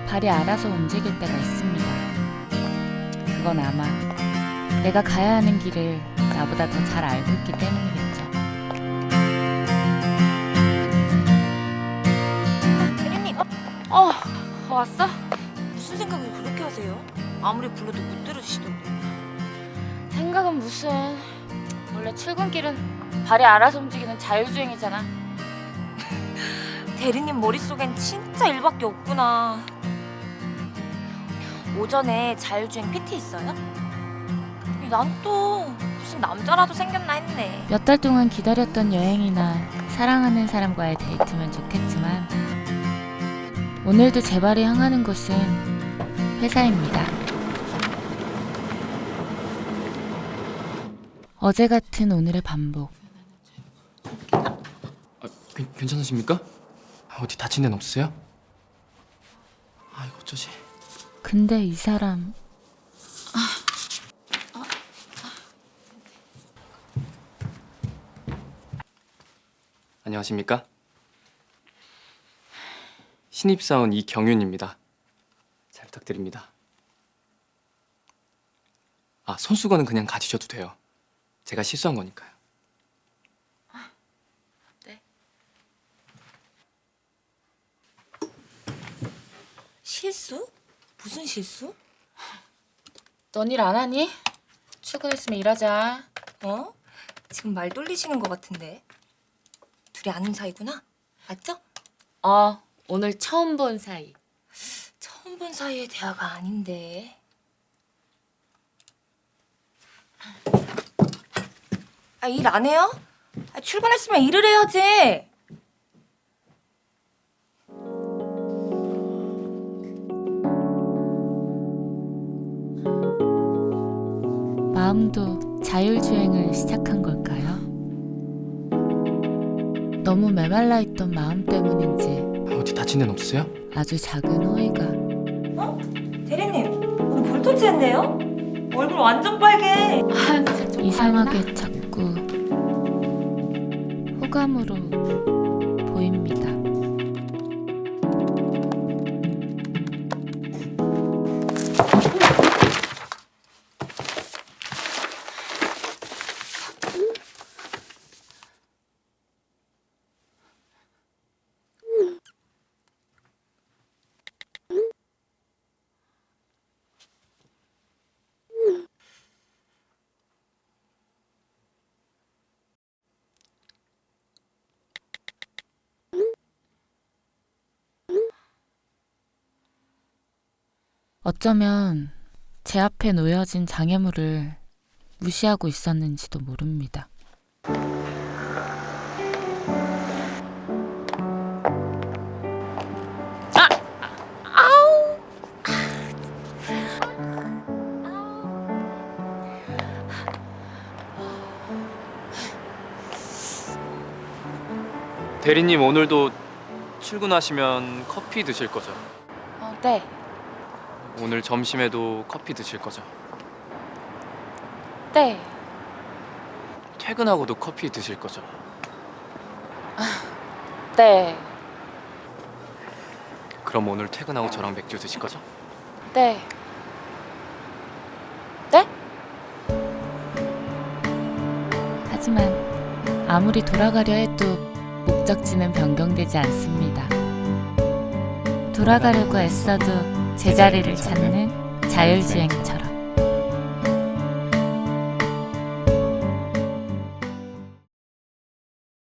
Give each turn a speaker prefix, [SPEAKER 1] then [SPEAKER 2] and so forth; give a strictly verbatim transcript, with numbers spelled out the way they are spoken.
[SPEAKER 1] 발이 알아서 움직일 때가 있습니다. 그건 아마 내가 가야 하는 길을 나보다 더 잘 알고 있기 때문이겠죠.
[SPEAKER 2] 혜린님,
[SPEAKER 1] 어, 왔어?
[SPEAKER 2] 무슨 생각을 그렇게 하세요? 아무리 불러도 못 들으시던데.
[SPEAKER 1] 생각은 무슨. 원래 출근길은 발이 알아서 움직이는 자율주행이잖아.
[SPEAKER 2] 대리님 머릿속엔 진짜 일밖에 없구나. 오전에 자율주행 피티 있어요? 난 또 무슨 남자라도 생겼나 했네.
[SPEAKER 1] 몇 달 동안 기다렸던 여행이나 사랑하는 사람과의 데이트면 좋겠지만 오늘도 제 발이 향하는 곳은 회사입니다. 어제 같은 오늘의 반복.
[SPEAKER 3] 아, 괜, 괜찮으십니까? 어디 다친 데는 없으세요? 아 이거 어쩌지?
[SPEAKER 1] 근데 이 사람
[SPEAKER 3] 안녕하십니까? 신입사원 이경윤입니다. 잘 부탁드립니다. 아 손수건은 그냥 가지셔도 돼요. 제가 실수한 거니까요.
[SPEAKER 1] 네.
[SPEAKER 2] 실수? 무슨 실수?
[SPEAKER 1] 넌 일 안 하니? 출근했으면 일하자.
[SPEAKER 2] 어? 지금 말 돌리시는 것 같은데. 둘이 아는 사이구나? 맞죠?
[SPEAKER 1] 어, 오늘 처음 본 사이.
[SPEAKER 2] 처음 본 사이의 대화가 아닌데. 아, 일 안 해요? 아, 출근했으면 일을 해야지.
[SPEAKER 1] 마음도 자율주행을 시작한 걸까요? 너무 메말라 있던 마음 때문인지
[SPEAKER 3] 아, 어디 다친 데는 없으세요?
[SPEAKER 1] 아주 작은 호의가
[SPEAKER 2] 어? 대리님, 오늘 볼터치 했네요? 얼굴 완전 빨개.
[SPEAKER 1] 아, 진짜 좀 이상하게 자꾸 호감으로 보입니다. 어쩌면 제 앞에 놓여진 장애물을 무시하고 있었는지도 모릅니다.
[SPEAKER 3] 대리님 오늘도 출근하시면 커피 드실 거죠?
[SPEAKER 1] 어, 네.
[SPEAKER 3] 오늘 점심에도 커피 드실 거죠?
[SPEAKER 1] 네.
[SPEAKER 3] 퇴근하고도 커피 드실 거죠?
[SPEAKER 1] 네.
[SPEAKER 3] 그럼 오늘 퇴근하고 저랑 맥주 드실 거죠?
[SPEAKER 1] 네. 네? 하지만 아무리 돌아가려 해도 목적지는 변경되지 않습니다. 돌아가려고 애써도 제자리를 찾는 자율주행처럼.